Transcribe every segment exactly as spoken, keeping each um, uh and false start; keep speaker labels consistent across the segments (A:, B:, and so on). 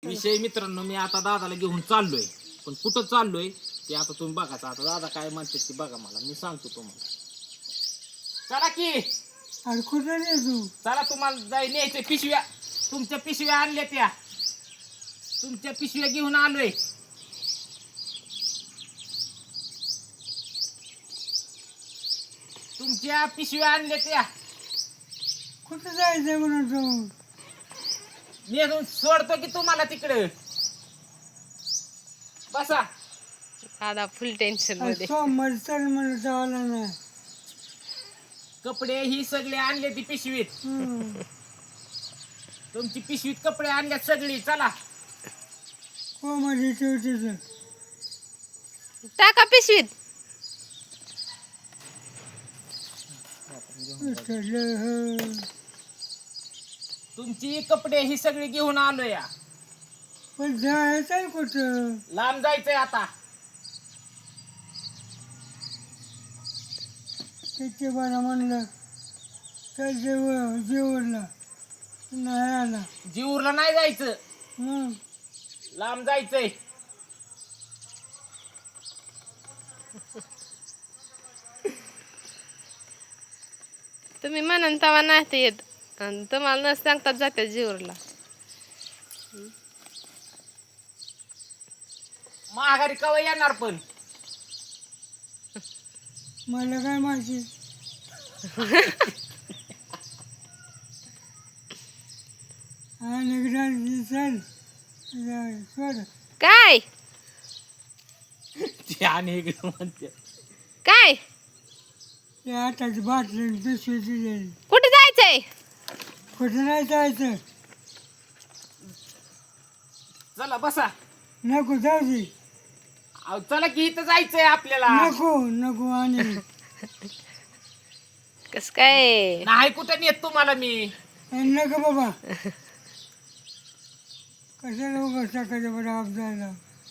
A: विषय मित्रांनो, मी आता दादाला घेऊन चाललोय, पण कुठं चाललोय ते आता तुम्ही बघायचं. आता दादा काय म्हणते ते बघा, मला मी सांगतो तुम्हाला. चला की
B: अरे कुठं रे तू?
A: चला, तुम्हाला जाई न्यायचे पिशव्या. तुमच्या पिशव्या आणल्या त्या, तुमच्या पिशव्या घेऊन आलोय. तुमच्या पिशव्या आणल्या त्या.
B: कुठं जायचंय म्हणून तू?
A: मी अजून सोडतो की तुम्हाला तिकडे. बसा.
C: दादा फुल टेन्शन मध्ये.
B: सोमवारी चल म्हणलं तर आला नाही.
A: कपडे ही सगळे आणले ती पिशवीत.
B: हम्म.
A: तुमची पिशवीत कपडे आणल्यात सगळी. चला.
B: कोमध्ये ठेवते तर.
C: टाका पिशवीत.
B: उचललं.
A: तुमची कपडे ही सगळी घेऊन आलो या.
B: पण जायचंय कुठं?
A: लांब जायचंय आता.
B: त्याचे बरं म्हणलं चल जेव जेवला नाही आला.
A: जीवरला नाही जायचं,
B: मग
A: लांब जायचंय.
C: तुम्ही म्हणून तवा नाही ते येत आणि तुम्हाला न सांगतात जाते जीवरला.
A: माघारी कवा येणार पण?
B: मला काय माहिती. आणि एकदा चल जाय, सोड.
C: काय
A: ते आणि इकडे म्हणते.
C: काय
B: ते आताची बाटली पिशवी दिली.
C: कुठे जायचंय?
B: कुठं नाही जायचं.
A: चला बसा.
B: नको जाऊ दे.
A: अहो, चला की इथं जायचंय आपल्याला.
B: नको नको आणि
C: कस काय?
A: नाही कुठं नेत तुम्हाला मी.
B: नको बाबा. कशाला उगाच टाकायचं बरं आपल्याला.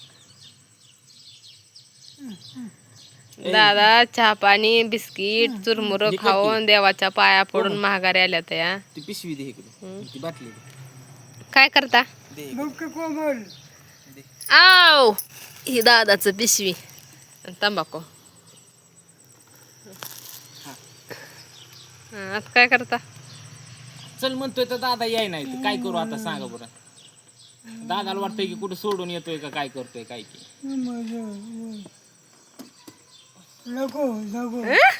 C: दादा चहा पाणी बिस्किट चुरमुर
A: हे काय
C: खाऊन देवाच्या पाया पडून महागारी आल्या त्या.
A: ती पिशवी दे इकडे, ती बाटली दे.
C: काय करता?
A: दे.
B: बघ का कोमल.
C: आव ही दादाचं पिशवी आणि तंबाखू. हं, आता काय करता?
A: चल म्हणतोय तर दादा याय नाही तर काय करू आता सांगा बरं. दादाला वाटतंय की कुठं सोडून येतोय का काय करतोय काय की.
B: नको नको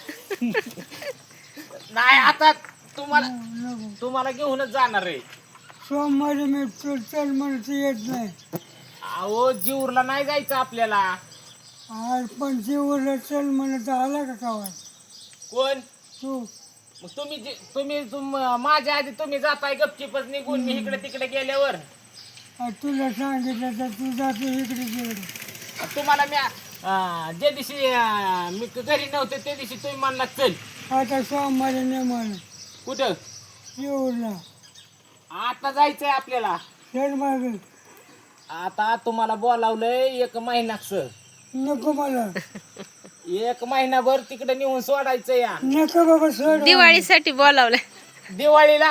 A: नाही आता तुम्हाला
B: नको.
A: तुम्हाला घेऊनच जाणार आहे.
B: सोमवारी मी चल चल म्हणत येत नाही.
A: अहो, जीवरला नाही जायचं आपल्याला.
B: आज पण जेवढं चल म्हणत आला का कावा
A: कोण?
B: तू?
A: मग तुम्ही जे- तुम्ही तुम माझ्या आधी तुम्ही जाताय गपचिपच निघून, मी इकडे तिकडे गेल्यावर.
B: आ, तुला सांगितलं तर तू जातो इकडे तिकडे.
A: तुम्हाला मी अं, ज्या दिवशी अं, मी घरी नव्हते त्या दिवशी तुम्ही म्हणला चल.
B: आता सोमवारी नाही म्हणा
A: कुठं?
B: जेवढला
A: आता जायचंय आपल्याला.
B: चल माग.
A: आता तुम्हाला बोलावलंय एक महिनाच.
B: नको मला.
A: एक महिनाभर तिकडे नेऊन सोडायचं या.
B: नको बाबा सोड.
C: दिवाळीसाठी बोलावलंय.
A: दिवाळीला.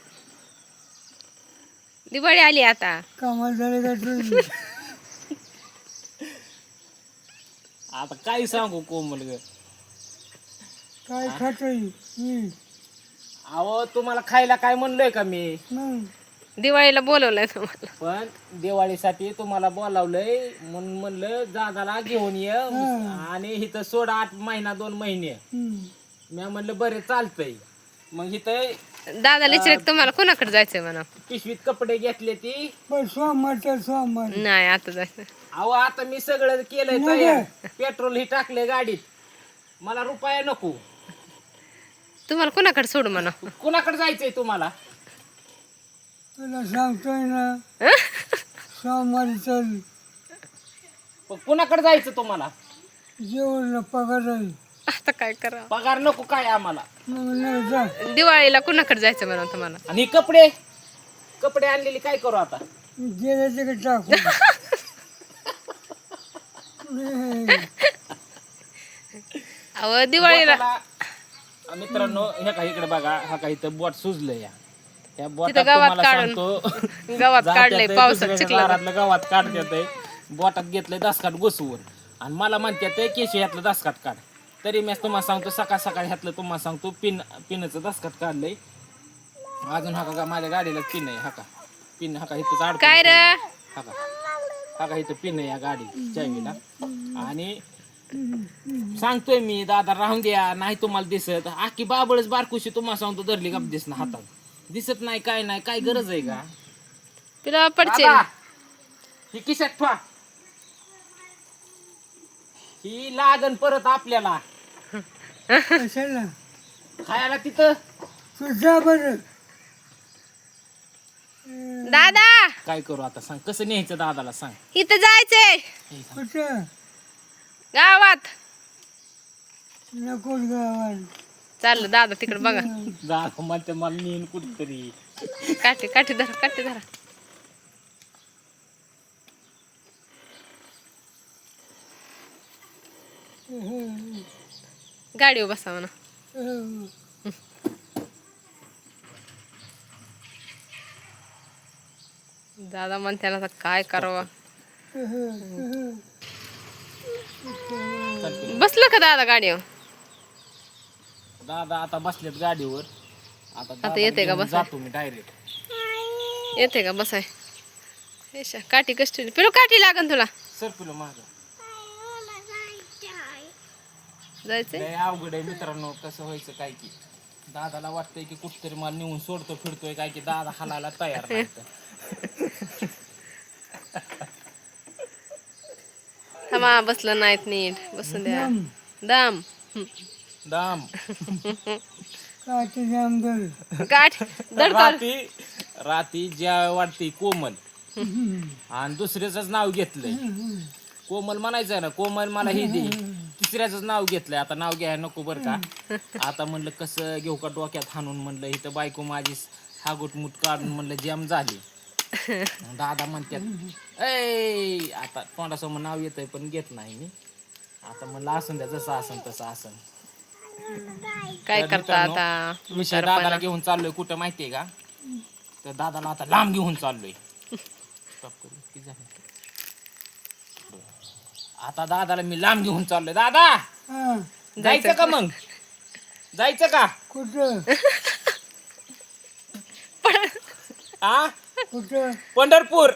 C: दिवाळी आली आता.
B: कामाला झाले का तुझी?
A: आता काय सांगू कोमल ग.
B: काय खातोय मी?
A: अहो, तुम्हाला खायला काय म्हणलोय का मी?
B: मग
C: दिवाळीला बोलवलंय तुम्हाला.
A: पण दिवाळीसाठी तुम्हाला बोलावलंय म्हणून म्हणलं दादाला घेऊन ये आणि इथं सोडा आठ महिना दोन महिने.
B: हम्म.
A: मी म्हणलं बरे चालतंय. मग इथं
C: दादा लिचरे तुम्हाला कोणाकडे जायचंय म्हणा.
A: पिशवीत कपडे घेतले ती.
B: पण सोमवार तर सोमवार.
C: नाही आता जायचं.
A: अहो, आता मी सगळं केलंय तयार. पेट्रोल ही टाकले गाडीत. मला रुपया नको.
C: तुम्हाला कोणाकडे सोडू म्हणा.
A: कुणाकडे जायचंय तुम्हाला?
B: तुला सांगतोय ना सोमवारी चल.
A: पण कुणाकडे जायचं तुम्हाला?
B: जेवढला पगार आहे.
C: आता काय करा?
A: पगार नको काय आम्हाला.
B: मग नाही जा.
C: दिवाळीला कुणाकडे जायचं म्हणा तुम्हाला.
A: आणि ही कपडे कपडे आणलेली काय करू आता?
B: गेल्या तिकडे टाकू. नाही.
C: अहो दिवाळीला
A: बोटाला- मित्रांनो, हे का इकडे बघा, हा का इथं बोट सुजलं या. ह्या बोटात
C: तिथं गावात
A: तुम्हाला
C: काढून
A: सांगतो
C: गावात
A: जात्यात
C: काढलंय
A: आहे,
C: पावसात
A: दुसऱ्याच्या
C: चिखलात.
A: दारातलं गावात काढतात बोटात घेतलंय दसकाट घुसवून आणि मला म्हणतात केशी ह्यातलं दसकाट काढ. तरी मी तुम्हाला सांगतो सकाळ सकाळ ह्यातलं तुम्हाला सांगतो पिन पिनाचं दसकाट काढलंय. अजून हा का माझ्या गाडीला पिन आहे, हा का पिन हा का इथंच अडकून
C: काय रे?
A: ठेवलंय. हा का हा का इथं पिन आहे या गाडी चावीला. आणि सांगतोय मी दादा राहून द्या नाही तुम्हाला दिसत आखी बाबळच बारकुशी तुम्हाला सांगतो धरली गप दिसणं हातात दिसत नाही काय नाही काय गरज आहे का
C: तुला पडचे
A: दादा, ही किशात ठेवा ही लागन परत आपल्याला
B: कशाला
A: खायला तिथं.
B: तुझा बरं
C: दादा
A: काय करू आता सांग कसं न्यायचं दादाला सांग.
C: इथं जायचंय
B: कुठं
C: गावात.
B: नको गावात
C: चाललं दादा तिकडे बघा.
A: दादा म्हणते मला नेईन कुठतरी.
C: काठी काठी धरा काठी धरा. गाडीवर बसावं ना. दादा म्हणते ना आता काय करावं. बसलं का दादा गाडीवर?
A: दादा आता बसलेत गाडीवर. आता
C: आता येते का
A: दादाला घेऊन
C: बसाय?
A: जातो मी डायरेक्ट.
C: येते का बसाय? हेशा, काठी कष्ट पिलो काठी लागन तुला.
A: सर पिलो माझं
C: जायचंय
A: लय अवघड आहे मित्रांनो कसं व्हायचं काय की दादाला वाटतंय की कुठतरी मला नेऊन सोडतो फिरतोय काय की दादा हालायला तयार नाही तर.
C: थांबा बसलं नाहीत नीट बसून द्या. दाम
A: दाम
B: काठी जामदर
C: काठ दडकाल.
A: राती राती ज्या वाटते कोमल आणि दुसऱ्याच नाव घेतलंय. कोमल म्हणायचंय ना कोमल मला हे दे तिसऱ्याच नाव घेतलंय. आता नाव घ्यायला नको बर का. आता म्हणलं कसं घेऊ का डोक्यात हाणून म्हणलं इथं बायको माझी हागुटमुट काढून म्हणलं जॅम झाली. दादा म्हणतात ऐ आता तोंडासमोर नाव येतंय पण घेत नाही मी. आता म्हणलं असून द्या जसं असन तसं असन.
C: काय
A: तर
C: करता
A: मित्रांनो,
C: आता
A: विषय दादाला घेऊन चाललोय कुठं माहितीये का तर दादाला आता लांब घेऊन चाललोय. Stop करू. किती झालं? आता दादाला मी लांब घेऊन चाललोय. दादा
B: हा
A: जायचं का मग जायचं का
B: कुठं
A: आ
B: कुठं
A: पंढरपूर.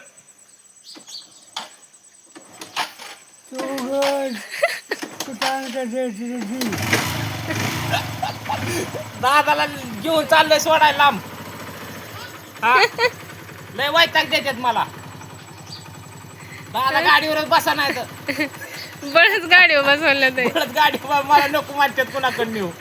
B: तू उघड कुठं आणता द्यायची
A: दादाला घेऊन चाललोय सोडायला लांब. हा लय वैताग देतात मला. दादा गाडीवरच बसा नाही तर
C: बळच गाडीवर बसवलं ते.
A: परत गाडी मला नको म्हणतात कुणाकडे नेऊ.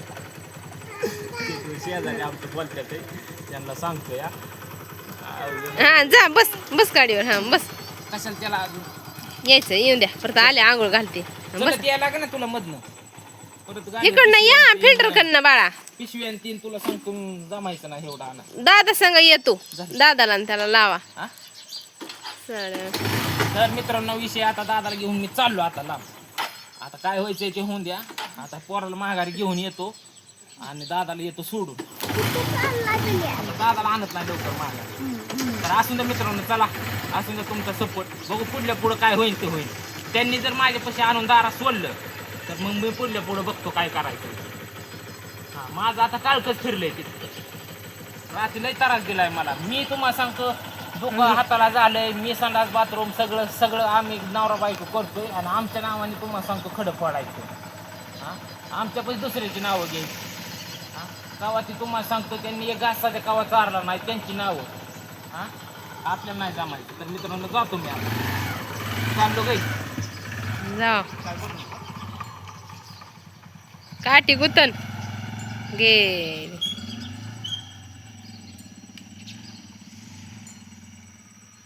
A: शेजारी आमचं बोलतात ते, त्यांना सांगतो या
C: हा जा बस बस गाडीवर. हा बस
A: कशाला त्याला अजून
C: यायचं येऊन द्या परत आले आंघोळ घालते. बस
A: चलत यायला लागे ना तुला मधनं परत गाडी
C: इकडनं या फिल्टर कडनं बाळा.
A: पिशवी आणि तीन तुला सांगतो जमायचं ना एवढा आणा.
C: दादा संग येतो दादाला आणि त्याला लावा.
A: हा?
C: चालेल.
A: तर मित्रांनो विषय आता दादाला घेऊन मी चाललो आता लांब. आता काय व्हायचंय ते होऊन द्या. आता पोराला माघारी घेऊन येतो आणि दादाला येतो सोडून. आता दादाला आणत नाही लवकर माघारी. तर असून द्या मित्रांनो चला असून द्या तुमचा सपोर्ट. बघू पुढल्या पुढं काय होईल ते होईल. त्यांनी जर माझ्यापाशी आणून दारात सोडलं तर मग मी पुढल्या पुढं बघतो काय करायचं. हा माझं आता काळकच फिरलंय तिथं. रात्री लय त्रास दिलाय मला. मी तुम्हाला सांगतो डोकं हाताला झालंय. मी संडास बाथरूम सगळं सगळं आम्ही नवरा बायको करतोय आणि आमच्या नावाने तुम्हाला सांगतो खडं पडायचं. हां आमच्यापाशी दुसऱ्याची नावं घ्यायची. हां कवा ती तुम्हाला सांगतो त्यांनी एक घासाच्या कवा चारला नाही त्यांची नावं. हां आपल्याला नाही जमायचं. तर मित्रांनो जातो मी आता चाललो गाई.
C: जा काठी गुतन गे